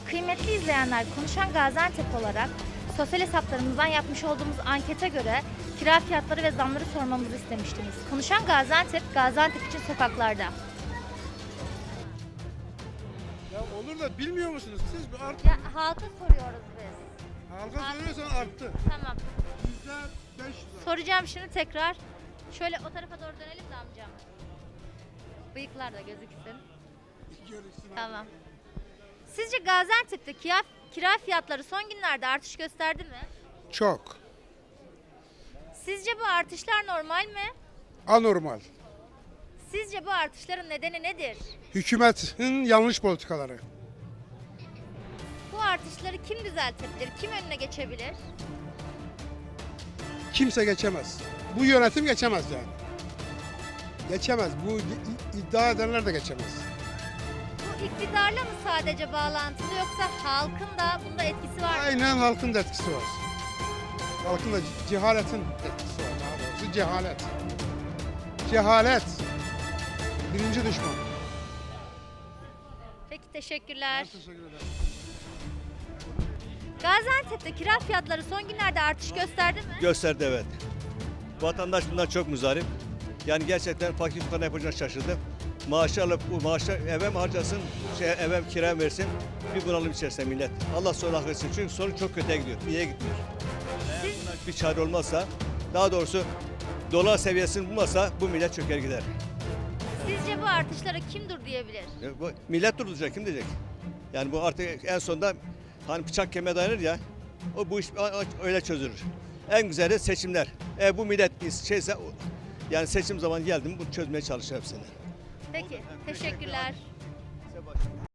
Kıymetli izleyenler, Konuşan Gaziantep olarak sosyal hesaplarımızdan yapmış olduğumuz ankete göre kira fiyatları ve zamları sormamızı istemiştiniz. Konuşan Gaziantep, Gaziantep için sokaklarda. Ya olur da bilmiyor musunuz? Siz bir artık Ya halka soruyoruz biz. halka söylüyorsan arttı. Tamam. %500. Soracağım şimdi tekrar. Şöyle o tarafa doğru dönelim de amcam. Bıyıklar da gözüksün. Tamam. Sizce Gaziantep'te kira fiyatları son günlerde artış gösterdi mi? Çok. Sizce bu artışlar normal mi? Anormal. Sizce bu artışların nedeni nedir? Hükümetin yanlış politikaları. Bu artışları kim düzeltebilir? Kim önüne geçebilir? Kimse geçemez. Bu yönetim geçemez yani. Geçemez. Bu iddia edenler de geçemez. Bu iktidarla mı sadece bağlantılı yoksa halkın da bunda etkisi var mı? Aynen halkın da etkisi var. Halkın da cehaletin etkisi var. Daha doğrusu cehalet. Cehalet. Birinci düşman. Peki teşekkürler. Teşekkür ederim. Gaziantep'te kira fiyatları son günlerde artış gösterdi mi? Gösterdi, evet. Vatandaş bundan çok muzdarip. Yani gerçekten fakir fukara yapacağını şaşırdı. Maaşı alıp bu maaşı eve mi harcasın, eve mi kira mı versin, bir bunalım içerisinde millet. Allah sonra hak etsin çünkü sorun çok kötüye gidiyor, iyiye gitmiyor. Eğer bundan bir çare olmazsa, daha doğrusu dolar seviyesini bulmazsa bu millet çöker gider. Sizce bu artışlara kim dur diyebilir? Bu millet durduracak, kim diyecek? Yani bu artık en sonunda hani bıçak kemiğe dayanır ya, bu iş öyle çözülür. En güzeli seçimler. Bu millet şeyse yani seçim zamanı geldi mi bunu çözmeye çalışır hepsini. Peki teşekkürler.